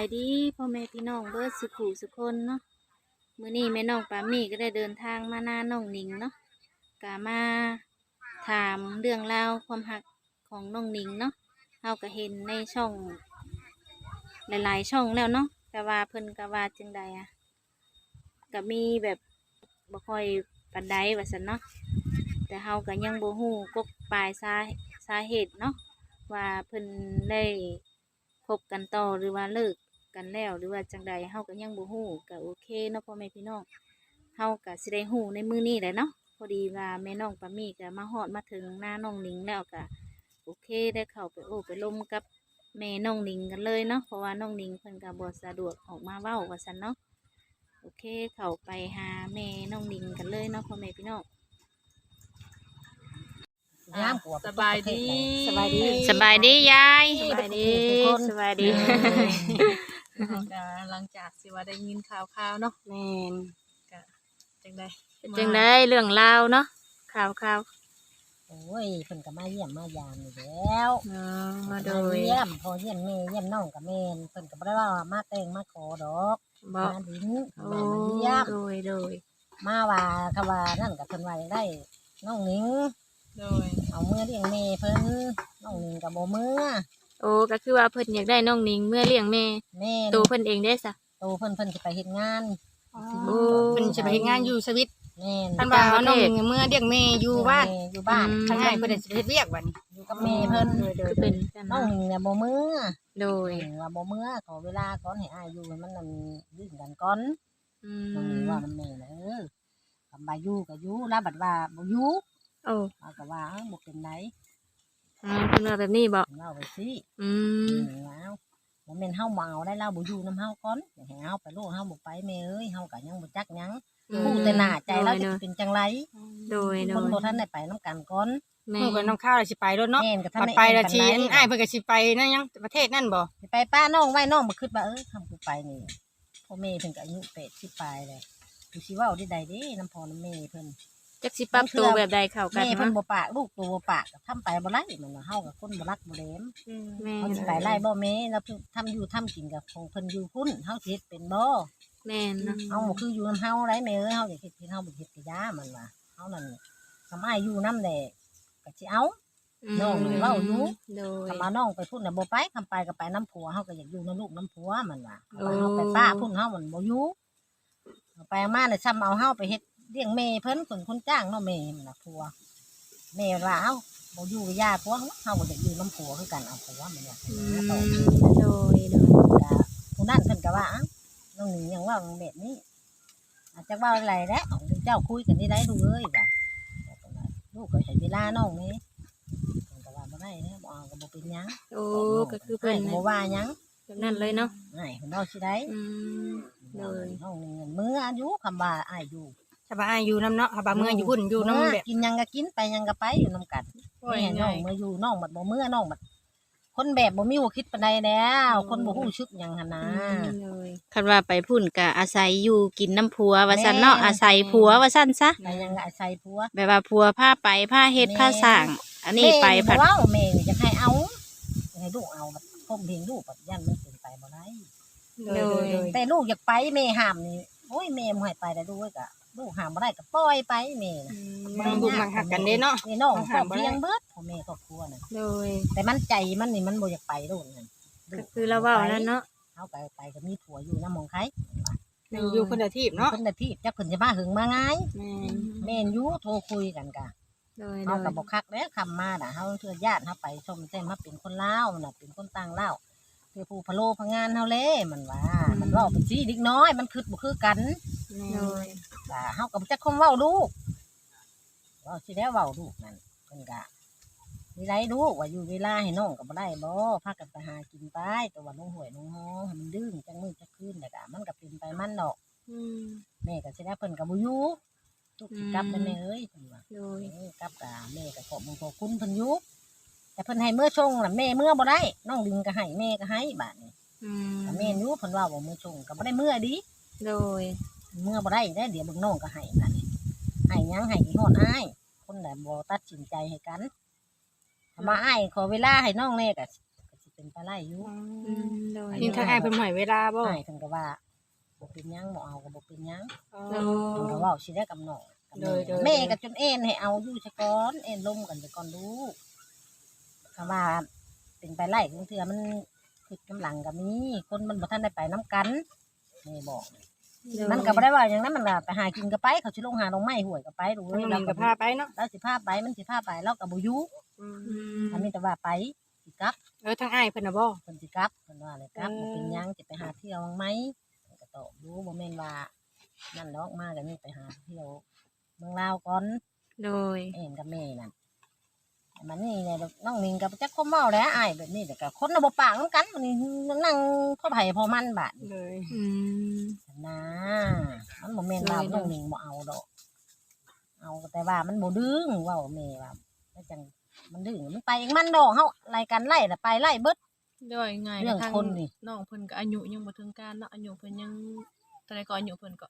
ายดีพ่อแม่พี่น้องเบิดสุขุสุคนเนาะมื้อนี้แม่น้องปามี่ก็ได้เดินทางมาหน้าน้องหนิงเนาะกะมาถามเรื่องราวความหักของน้องหนิงเนาะเฮาก็เห็นในช่องหลายๆช่องแล้วเนาะแต่ว่าเพิ่นก็ว่าจังใดอะก็มีแบบบ่ค่อยปานใดว่าซั่นเนาะแต่เฮาก็ยังบ่ฮู้กกปลายสาเหตุเนาะว่าเพิ่นได้คบกันต่อหรือว่าเลิกกันแล้วหรือว่าจังใดเฮาก็ยังบ่ฮู้ก็โอเคเนาะพ่อแม่พี่น้องเฮาก็สิได้ฮู้ในมื้อนี้แหละเนาะพอดีว่าแม่น้องปามี่ก็มาฮอดมาถึงหน้าน้องหนิงแล้วก็โอเคได้เข้าไปโอ้ไปล้มกับแม่น้องหนิงกันเลยเนาะเพราะว่าน้องหนิงเพิ่นก็บ่สะดวกออกมาเว้าว่าซั่นเนาะโอเคเข้าไปหาแม่น้องหนิงกันเลยเนาะพ่อแม่พี่น้องสบายดีสบายดีสบายดียายสบายดีสบายดีก็หลังจากสิว่าได้ยินข่าวเนาะแม่นก็จังได้จังได้เรื่องราวเนาะข่าวโอ้ยเพิ่นก็มาเยี่ยมมายามอยู่แล้วมาโดยเยี่ยมพอเยี่ยมแม่เยี่ยมน้องกับแม่นเพิ่นก็บ่ได้ว่ามาแต่งมาขอดอกบอกมาดินโอ้มาเยี่ยมโดยมาว่าคำว่านั่นก็เพิ่นว่าได้น้องหนิงโดยเอามือเลี้ยงแม่เพิ่นน้องหนิงก็บ่มือโอ้ก็คือว่าเพิ่นอยากได้น้องหนิงเมื่อเลี้ยงแม่แม่นตัวเพิ่นเองได้ซะโตเพิ่นสิไปเฮ็ดงานโอ้เพิ่นสิไปเฮ็ดงานอยู่สวิตแม่นท่านว่าเอาน้องเมื่อเลี้ยงแม่อยู่บ้านแม่อยู่บ้านทางง่ายเพิ่นสิไปเฮ็ดเวียกบัดนี้อยู่กับแม่เพิ่นคือเป็นกันน้องเนาะหนิงเนี่ยบ่มือโดยว่าบ่มือขอเวลาก่อนให้อ้ายอยู่ให้มันนั่นยื่นกันก่อนอืน้องหนิงมว่ามันแม่นะคำว่าอยู่ก็อยู่แล้วบัดว่าบ่อยู่โอ้เอาก็ว่าบ่เป็นไรเพิ่นว่าแบบนี้บ่เล่าไปสิอืมว้าวบ่แม่นเฮาเมาได้เล่าบ่อยู่นำเฮาก่อนให้เฮาไปโลดเฮาบ่ไปแม่เอ้ยเฮาก็ยังบ่จักหยังฮู้แต่หน้าใจเราจะเป็นจังไรโดยคนบ่ทันได้ไปนำกันก่อนแม่เมื่อกับน้องข้าวสิไปรถเนาะแม่นก็ทันบัดได้ไปละทีปานใดอ้ายเพิ่นก็สิไปนั่นยังประเทศนั่นบ่สิไปป้าน้องไว้น้องบ่คิดว่าทำกูไปนี่พ่อแม่เพิ่นก็อายุ80ปลายแล้วกูสิเว้าได้ใดเด้น้ำพ่อน้ำแม่เพิ่นจักสิปรับตัวแบบใดเข้ากันแม่เพิ่นเนาะบ่ปากลูกตัวบ่ปากก็ทำไปบ่ไล่มันว่าเฮากับคนบ่รักบ่แหลมแม่เฮาสิไปไล่บ่แม่แล้วทำอยู่ทำกินกับของเพิ่นอยู่พุ่นเฮาสิเฮ็ดเป็นบ่แม่นเนาะเฮาบ่คืออยู่นํเฮาได้แม่เอ้ยเฮาอยากเฮ็ดกินเฮาบ่เฮ็ดกะยามันว่าเฮานั่นทำอ้ายอยู่นำแหละก็สิเอา น้องนี่เว้าอยู่โดยคำว่าน้องไปพุ่นน่ะบ่ไปคำไปก็ไปน้ำผัวเฮาก็อยากอยู่นํลูกน้ำผัวมันว่าโอ้ว่าเฮาไปป้าพุ่นเฮามันบ่อยู่เอาไปมาน่ะซ้ำเอาเฮาไปเฮ็ดเลี้ยงแม่เพิ่นคนจ้างเนาะแม่มันน่ะผัวแม่ว่าเอ้าบ่อยู่กับย่าผัวเฮาก็อยากอยู่น้ำผัวคือกันเอาผัวมันว่าอืหาต่อมโดยก็ผู้นั้นเพิ่นก็ว่าอ้าวน้องหนิงยังว่าแบบนี้อาจจะว่าอะไรแล้วเจ้าคุยกันนี่ได้ดูเอ้ยว่าลูกก็ใช้เวลาน้องนี่เพิ่นก็ว่าบ่ได้นะบ่เอาก็บ่เป็นหยังโอ้ก็คือเพิ่นบ่ว่าหยังแบบนั้นเลยเนาะอ้ายเพิ่นเอาสิได้อืม โดยน้องหนิงมื้ออายุคำว่าอ้ายอยู่ถ้าว่าอ้ายอยู่นํเนาะถ้าว่าเมื่ออยู่พุ่นอยู่นํแบบกินหยังก็กินไปหยังก็ไปอยู่นํกันแม่น้องมาอยู่น้องบัดบ่มื้อน้องบัดคนแบบบ่มีหัวคิดปานใดแล้วคนบ่ฮู้ชึกหยังหั่นนะโดยคันว่าไปพุ่นก็อาศัยอยู่กินน้ำผัวว่าซั่นเนาะแม่อาศัยผัวว่าซั่นซะไปหยังก็อาศัยผัวแบบว่าผัวพาไปพาเฮ็ดพาสร้าง อันนี้ไปแม่ผัดบ่เว้าแม่นี่จะให้เอาให้ลูกเอาบัดพ่มเพลงลูกบัดยันมันเป็นไปบ่ได้โดยแต่ลูกอยากไปแม่ห้ามนี่โอ้ยแม่บ่ให้ไปได้ลูกเอ้ยก็ลูกห้ามบ่ได้ก็ปล่อยไปแม่น่ะบางบุกบางหักกันเด้เนาะแม่น้องห้าห้าม มบ่ได้เพียงเบิดพ่อแม่ครอบครัวน่ะโดยแต่มันใจมันนี่มันบ่อยากไปลูกนั่นก็คือเราเว้าแล้วเนาะเฮาไปก็มีผัวอยู่นำหมองไผอยู่คนละทีบเนาะเพิ่นน่ะที่จักเพิ่นจะมาหึงมาง่ายแม่แม่นอยู่โทรคุยกันกะโดยเฮาก็บ่คักแล้วคำมาน่ะเฮาเทื่อญาติเฮาไปชมแท้มาเป็นคนลาวน่ะเป็นคนต่างลาวคือผู้พะโลพะงานเฮาแลมันว่ามันเว้าเป็นสิเด็กน้อยมันคิดบ่คือกันโดยก็เฮาก็บ่จักคมเว้าลูกเว้าสิแล้วเว้าลูกนั่นเพิ่นก็มีไรลูกว่าอยู่เวลาให้น้องก็บ่ได้บ่พากันไปหากินไปแต่ว่าน้องหวยน้องฮอให้มันดื้อจังมื้อจักคืนแล้วก็มันก็เป็นไปมันดอกอืมแม่ก็สิได้เพิ่นก็บ่อยู่ลูกสิกลับไปแม่เอ้ยเพิ่นว่าโดยกลับกับแม่ก็ขอบคุณขอบคุณเพิ่นอยู่แต่เพิ่นให้เมื่อชงน่ะแม่เมื่อบ่ได้น้องดิงก็ให้แม่ก็ให้บาดนี้อืมก็แม่นอยู่เพิ่นว่าบ่เมื่อชงก็บ่ได้เมื่อดีโดยเมื่อบ่ได้ได้เดี๋ยวเบิ่งน้องก็ให้บาดนี้ให้หยังให้ที่ฮอดอ้ายคนน่ะบ่ตัดสินใจให้กันถ้ามาอ้ายขอเวลาให้น้องแน่ก็สิไปเป็นไปไล่อยู่โดยนี่ทางอ้ายเพิ่นให้เวลาบ่อ้ายเพิ่นก็ว่าบ่เป็นหยังบ่เอาก็บ่เป็นหยังอ๋อเพิ่นก็เว้าสิได้กับน้องกับโดยแม่ก็จนเอ็นให้เอาอยู่ซะก่อนเอ็นลมกันไปก่อนลูกคำว่าเป็นไปไล่บางเทื่อมันคือกำลังก็มีคนมันบ่ทันได้ไปนํกันแม่บอกมันก็บ่ได้ว่าหยังนั้นมันก็ไปหากินก็ไปเขาสิลงหาลงไม้ห้วยก็ไปดูน้องเรานิงก็ก็พาไปเนาะเราสิพาไปมันสิพาไปเราก็บ่อยู่อันนี้แต่ว่าไปสิกลับทางอ้ายเพิ่นน่ะบ่เพิ่นสิกลับเพิ่นว่าเลยกลับบ่เป็นหยังสิไปหาเที่ยวบ้างไหมเพิ่นก็ตอบอยู่บ่แม่นว่านั่นดอกมาก็นี่ไปหาเที่ยวเมืองลาวก่อนโดยเอ็นกับแม่นั่นมันนี่เนี่ยน้องนิงกับจักคมเมาแล้วอ้ายแบบนี้แต่ก็คนน่ะบ่ปากนำกันมันนี่นั่งพ่อไผพ่อมันบาดนี้เลยอืมนะมันบ่แม่นว่าน้องนิงบ่เอาดอกเอาแต่ว่ามันบ่ดึงเว้าแม่ว่าแล้วจังมันดึงมันไปเองมันดอกเฮารายการไล่น่ะไปไล่เบิดด้วยง่ายเรื่องทางคนนี่น้องเพิ่นก็อายุยังบ่ถึงการเนาะอายุเพิ่นยังเท่าใดก็อายุเพิ่นก็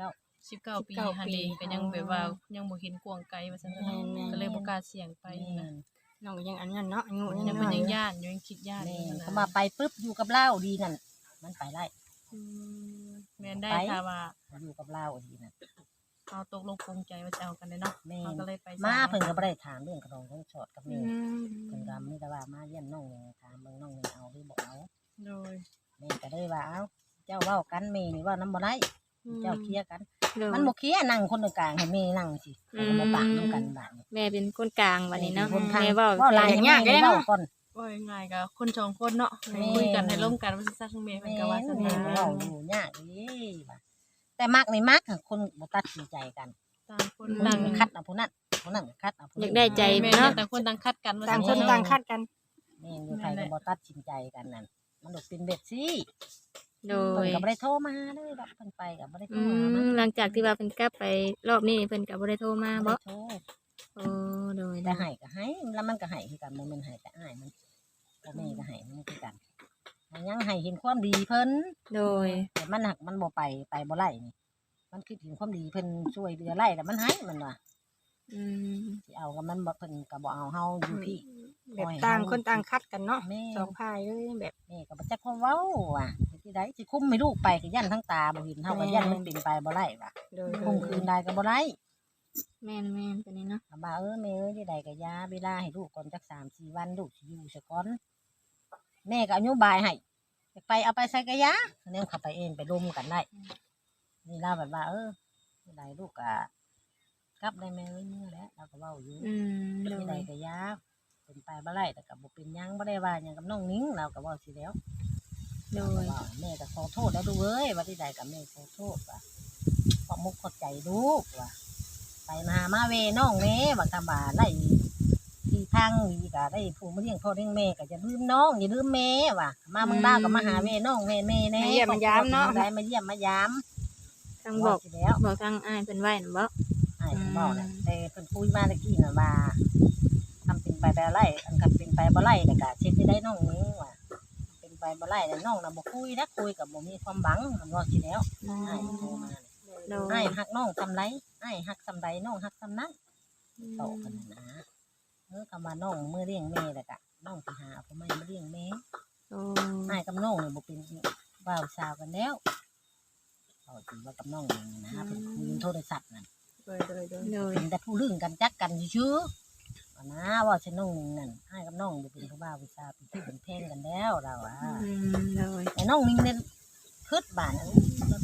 19 ปีหั่นเองก็ยังแบบว่ายังบ่เห็นกวางไกลว่าซั่นเนาะก็เลยบ่กล้าเสี่ยงไปแม่นะนน้องก็ยังอันนั้นเนาะอายุยัยัง งเพิ่นน้อยยังย่านอยู่ยังคิดย่านแม่อยู่นนะเขามาไปปุ๊บอยู่กับเราดีนั่นมันไปไล่อืมแม่นได้ค่ะว่าอยู่กับเราดีนั่นเอาตกลงปรงใจว่าจะเอากันได้เนาะแม่เขาก็เลยไปมาเพิ่นก็บ่ได้ถามเรื่องกระดองของชอดกับอืแม่มเพิ่นก็มีแต่ว่ามาเยี่ยมน้องนี่ถามเบิ่งน้องนี่เอาหรือบ่เอาโดยแม่ก็เลยว่าเอ้าเจ้าเว้ากันแม่นี่เว้านำบ่ได้เจ้าเคลียร์กันโดยมันบ่เคลียร์นั่งคนกลางให้แม่นั่งสิมันก็บ่ปากนํกันบาดนี้แม่เป็นคนกลางวันนี้เนาะคนทางแม่เว้าเว้าหลายให้แม่นี่เว้าก่อนว่าง่ายๆก็คนสองคนเนาะให้แม่คุยกันให้ร่วมกันว่าซั่นๆแม่เพิ่นแม่ก็ว่าซั่นแม่นะก็เว้าอยู่ยากดีว่าแต่มักนี่มักคนบ่ตัดสินใจกันต่างคนนั่ต่าง งคัดเอาผู้นั้นผู้นั้นก็คัดเอาผู้อนี้ยากได้ใจแม่เนาะต่างคนต่างคัดกันว่าต่างซั่คนเะต่างคัดกันแม่อยู่ไทยก็บ่ตัดสินใจกันนั่นมันดอกเป็นเบ็ดสิโดเพิ่นยก็บ่ได้โทรมาเลยดอกเพิ่นไปก็บ่ได้โทรอืหามันหลังจากที่ว่าเพิ่นกลับไปรอบนี้เพิ่นก็บ่ได้โทรมาบ่บ่ได้โทรโอ้โดยแต่ให้ก็ให้แล้วมันก็ให้คือกันบ่แม่นให้แต่อ้ายมันพ่อแม่ก็ให้มันคือกันมันยังให้เห็นความดีเพิ่นโดยแต่มันหักมันบ่ไปบ่ไล่นี่มันคิดถึงความดีเพิ่นช่วยเหลือไล่แต่มันให้มันว่าอืมสิเอากับมันบ่เพิ่นก็บ่เอาเฮาอยู่พี่แบบต่างคนต่างคัดกันเนาะแม่สองพายเลยแบบแม่ก็บ่จักความเว้าว่ะที่ใดสิคุมให้ลูกไปก็ยันทั้งตาบ่เห็นเฮาก็ยันมันเป็นไปบ่ไล่ว่ะโดยคุมคืนได้ก็บ่ไล่แม่นตัวนี้เนาะก็ว่าแม่ที่ใดก็ยาเวลาให้ลูกก่อนจัก3-4 วันลูกสิอยู่ซะก่อนแม่ก็อนุบายให้อยากไปเอาไปใส่กะยาแนวเข้าไปเองไปร่วมกันได้นี่ล่าแบบว่าที่ใดลูกก็กลับได้แม่เอ้ยเมื่อแล้วเราก็เว้าอยู่อืมโดที่ใดยก็ยาเป็นไปบ่ไล่แต่ก็บ่เป็นหยังบ่ได้ว่าหยังกับน้องนิ้งเราก็เว้าสิแล้วโดก็ยว่าแม่ก็ขอโทษแล้วดูเอ้ยว่าที่ใดก็แม่ขอโทษว่าขอมุกขอใจลูกว่าไปมามาเวน้องแม่ว่าคำว่าไล่ที่ทางนี่ก็ได้ผู้มาเลี้ยงพ่อเลี้ยงแม่ก็อย่าลืมน้องอย่าลืมแม่ว่ะมาเมืองดาวก็มาหาแม่น้องแม่แน่มาเยี่ยมมายามเนาะได้มาเยี่ยมมายามทางบอกสิแล้วบอกทางอ้ายเพิ่นไว้น่ะบ่ไอ้เพิ่นบอกน่ะแต่เพิ่นคุยมาตะกี้น่ะว่าทำเป็นไปบ่ไล่อันกันเป็นไปบ่ไล่แต่ก็เช็ดได้น้องนี้ว่า เป็นไปบ่ไล่แต่น้องน่ะบ่คุยนะคุยกับบ่มีความหวังมันว่าสิแล้วอ้ายโทรมาโดยอ้ายฮักน้องซำไรอ้ายฮักซำใดน้องฮักซำนั้นโตกันนะคำว่าน้องมือเลี้ยงแม่แล้วก็น้องสิหาผู้ใหม่มาเลี้ยงแม่โอ้อ้ายกับน้องนี่บ่เป็นบ่าวสาวกันแล้วเอาจริงว่ากับน้องนี่นะเพิ่นคุยโทรศัพท์นั่นโดยโดยเป็นแต่ผู้ลึงกันจักกันซื่อๆว่านะว่าสิน้องนี่นั่นอ้ายกับน้องบ่เป็นผู้บ่าวผู้สาวเป็นพี่เป็นแพงกันแล้วเราอ่ะอืมโดยแต่น้องนี่เนี่ยคืดบ้านนั้น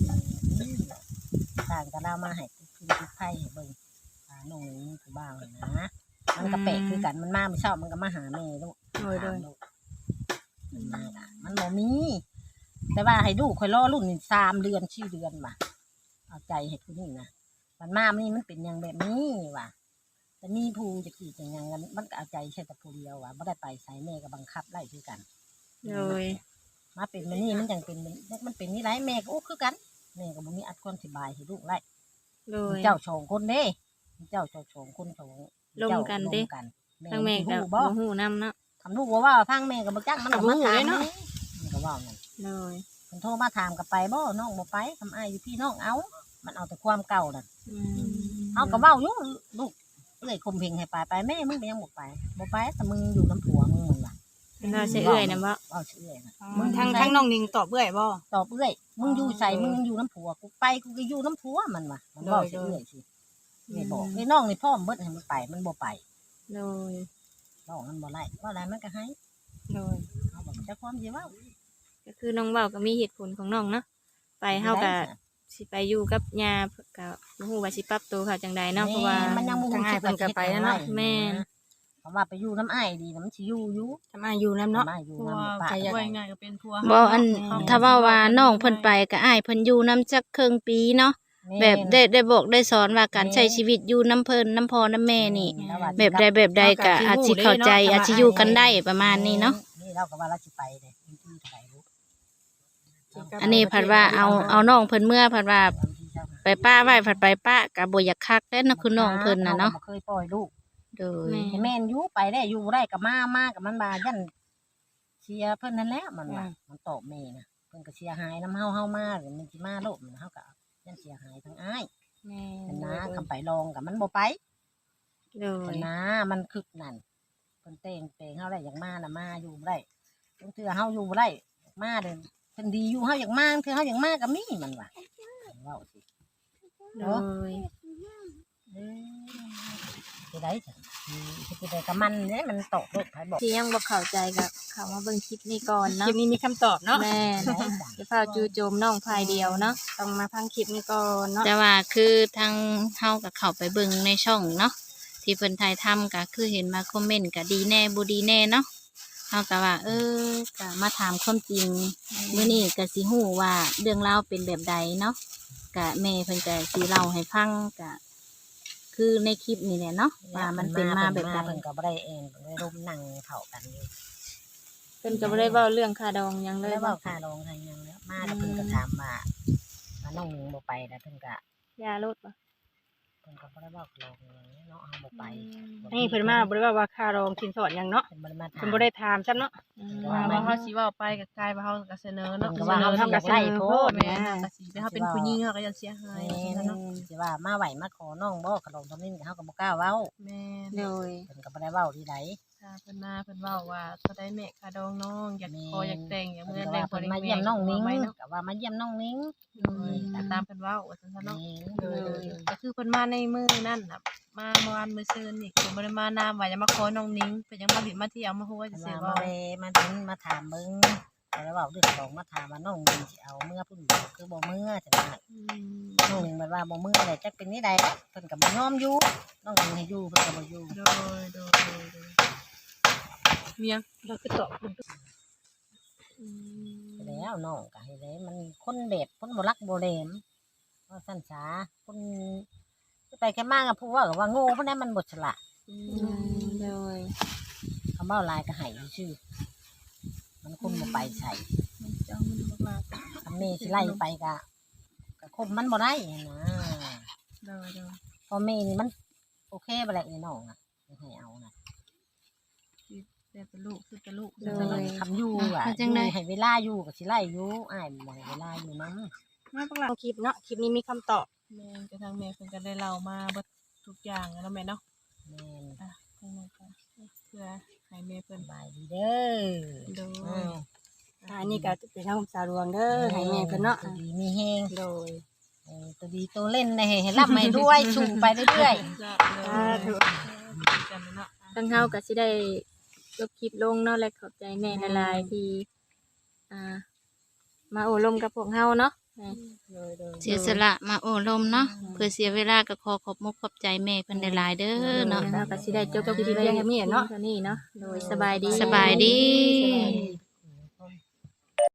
ต่างกันเรามาให้คือไผ่ให้เบิ่งน้องนี่ผู้บ่าวนะมันก็แปลกคือกันมันมาไม่ชอบมันก็มาหาแม่ลูกโดยมันมาอ่ะมันบ่มี แต่ว่าให้ลูกคอยรอรุ่นนี่3 เดือน4 เดือนว่ะเอาใจให้ผู้นี้นะมันมานี่มันเป็นอย่างแบบนี้ว่ะแต่นี่ผู้จะกี่จังยังกันมันก็เอาใจใช่แต่ผู้เดียวว่ะไม่ได้ไปใส่แม่ก็บังคับไล่คือกันโดยมาเป็นมันนี่มันจังเป็นมันเป็นนี่ไรแม่ก็อู้คือกันแม่ก็บ่มีอัดคนสิบายให้ลูกไล่โดยเจ้าสองคนเด้เจ้าสองคนสองร่วมกันเด้ ทางแม่สิก็ฮู้บ่บ่ฮู้นํเนาะทำลูกว่าทางแม่ก็บ่จักมันก็มาถามนี่มันก็ว่านั่นโดยเพิ่นโทรมาถามก็ไปบ่น้องบ่ไปทำอ้ายอยู่พี่น้องเอามันเอาแต่ความเก่านั่นอืมเฮาก็เว้าอยู่ลูกเอ้ยข่มเพงให้ไปแม่มึงก็ยังบ่ไปแต่มึงอยู่น้ำผัวมึงว่าเป็นว่าใช่เอื้อยนะบ่เว้าชื่อเอื้อยนะมึงทั้งน้องนิงตอบเบื่อยบ่ตอบเอื้อยมึงอยู่ใส่มึงอยู่น้ำผัวกูไปกูก็อยู่น้ำผัวมันว่ะมันบอกชื่อเอื้อยสิไม่บอกไอ้น้องนี่พ่อมเบิดให้มันไปมันบ่ไปโดยน้องมันบ่ไล่ว่าอะไรมันก็ให้โดยเขาบอกจะความสิเว้าก็คือน้องเว้าก็มีเหตุผลของน้องเนาะไปเฮาก็สิไปอยู่กับย่าก็บ่ฮู้ว่าสิปรับตัวเขาจังใดเนาะเพราะว่ามันยังบ่ฮู้สึกว่าสิเฮ็ดจั่งใดแม่นเพราะว่าไปอยู่น้ำอ้ายดีนะมันสิอยู่ทำไมอยู่นำเนาะทำไมอยู่เพราะน้ำว่าบ่ปะไว้ง่ายก็เป็นผัวบ่อันเฮาถ้าว่าว่าน้องเพิ่นไปก็อ้ายเพิ่นอยู่นํจักครึ่งปีเนาะแบบได้บอกได้สอนว่าการใช้ชีวิตอยู่นํเพิ่นนํพ่อนํแม่นี่ แบบใดก็อาจสิเข้าใจอาจสิอยู่กันได้ประมาณนี้เนาะนี่เราก็ว่าเราสิไปเลยที่เท่าไหร่รู้อันนี้ผัดว่าเอาน้องเพิ่นเมื่อผัดว่าไปป้าไว้ผัดไปป้าก็บ่อยากคักแท้เนาะคือน้องเพิ่นน่ะเนาะรก็บ่เคยปล่อยลูกโดยให้แม่นอยู่ไปได้อยู่ได้กับมากับมันบายันเชียร์เพิ่นนั่นแหละมันว่ามันตอบแม่นะเพิ่นก็เสียหายน้ำเฮามาหรือมันสิมาโลกมันเฮาก็ยันเสียหายทั้งอ้ายแม่เพิ่นนะคำไปลองกับมันบ่ไปโดเพิ่ยนนะมันคึกนั่นเพิ่นเตงเฮาได้อย่างมาน่ะมาอยู่บ่ได้บางเทื่อเฮาอยู่บ่ได้มาเด้อเพิ่นดีอยู่เฮาอยากมาคือเฮาอยากมาก็มีมันว่าเว้าสิโดยสิได้จ้ะสิได้กับมันเด้มันตกโลกไผบอกที่ยังบ่เข้าใจก็เข้ามาเบิ่งคลิปนี้ก่อนคเนาะลิปนี้มีคำตอบเนาะแม่นจะพาจู่โจมน้องภายเดียวเนาะต้องมาฟังคลิปนี้ก่อนเนาะแต่ว่าคือทางเฮาก็เข้าไปเบิ่งในช่องเนาะที่เพิ่นถ่ายทำก็คือเห็นมาคอมเมนต์ก็ดีแน่บ่ดีแน่เนาะเฮาก็ว่าก็มาถามความจริงมื้อนี้ก็สิฮู้ว่าเรื่องราวเป็นแบบใดเนาะก็แม่เพิ่นก็สิเล่าให้ฟังก็คือในคลิปนี่แหละเนาะว่ามันเป็นมาแบบใดเพิ่นก็บ่ได้เองเพิ่นได้ร่มนั่งเข้ากันอยู่เพิ่นก็บ่ได้เว้าเรื่องค่าดองหยังเลเลย ยบ่เว้าค่าลงทางยังแล้วมาแล้วเพิ่นก็ถามว่าน้องหนิงบ่ไปแล้วเพิ่นก็ยารถบ่เพิ่นก็บ่ได้เว้าลงเนาะเฮาบ่ไปนี่เพิ่นมาบ่ได้ว่าค่ารองสินสอดหยังเนาะเพิ่นบ่ได้มาถามเพิ่นบ่ได้ถามซ้ำเนาะว่าเฮาสิเว้าไปก็กลายว่าเฮาก็เสนอเนาะเพิ่นก็ว่าเฮาเสนอทำกับไส้โพดแม่นก็สิแต่เฮาเป็นผู้หญิงเฮาก็ยังเสียหายแม่เนาะสิว่ามาไหวมาขอน้องบ่ขนมตอนนี้เฮาก็บ่กล้าเว้าแม่นโดยเพิ่นก็บ่ได้เว้าที่ใดถ้าเพิ่นมาเพิ่นเว้าว่าเท่าใดแม่ค่าดองน้องอยากขออยากแต่งอยากเพิ่เมื่นอก็แต่ว่าง เพิ่นมาแม่เยี่ยมน้องนิ้งไว้เนาะก็ว่ามาเยี่ยมน้องนิ้งตามเพิ่นเว้าว่าซั่นซะเนาะนี่ก็คือเพิ่นมาในมื้อนั่นน่ะมาเมื่อวานมื้อซื่นนี่คือบ่ได้มานามว่าจะมาขอน้องนิ้งเพิ่นยังมาดิมาเที่ยวมาฮู้ว่าเพิ่จะนสิว่าเว้ามาถึงมาถามเบิ่งแล้วเว้าเรื่องของมาถามว่าน้องนิ้งสิเอาเมื่อพุ่นคือบ่เมื่อจังซั่นอืมน้องหนึ่งมันว่าบ่มืออะไรจักเป็นนี่ใดเนาะเพิ่นก็บ่ยอมอยู่น้องหนึ่งให้อยู่เพิ่นก็บ่อยู่โดยเมียงเราคือตอบแล้วน้องก็ให้ได้มันคนแบบคนบ่รักบ่แหลมว่าซั่นซาคนไปแค่มากับผู้ว่าก็ว่าโง่เพราะนั้นมันบ่ฉลาดโดยคำเว้าหลายก็ให้ชื่อมันคนบ่ไปใส่เจ้ามันมากคำแม่สิไล่ไปก็คบมันบ่ได้นะๆโดยพอแม่นี่มันโอเคบ่แหละนี่น้องน่ะให้เอานะแต่เป็นลูกคือเป็นลูกคำอยู่อ่ะอยู่ให้เวลาอยู่ก็สิไล่อยู่อ้ายบ่ให้เวลาอยู่นำมาพวกเราคลิปเนาะคลิปนี้มีคำตอบแม่กระทั่งแม่เพิ่นก็ได้เล่ามาเบิดทุกอย่างแล้วแม่เนาะแม่นทางนั้นก็เพื่อให้แม่เพิ่นสบายดีเด้อโดยอ้าวอันนี้ก็เป็นทางสาวดวงเด้อให้แม่เพิ่นเนาะตัวดีมีแฮงโดยตัวดีตัวเล่นนะให้ร่ำให้ด้วยสูงไปเรื่อยจ้ะสาธุกันเนาะทั้งเฮาก็สิได้จบคลิปลงเนาะและขอบใจแม่หลายๆที่มาโอ้ลมกับพวกเฮาเนาะโดยเสียสละมาโอ้ลมเนาะเพื่อเสียเวลาก็ขอขอบมุกขอบใจแม่เพิ่นหลายๆเด้อเนาะเฮาก็สิได้จบคลิปเพียงแค่นี้เนาะเท่านี้เนาะโดยสบายดีสบายดีสบายดี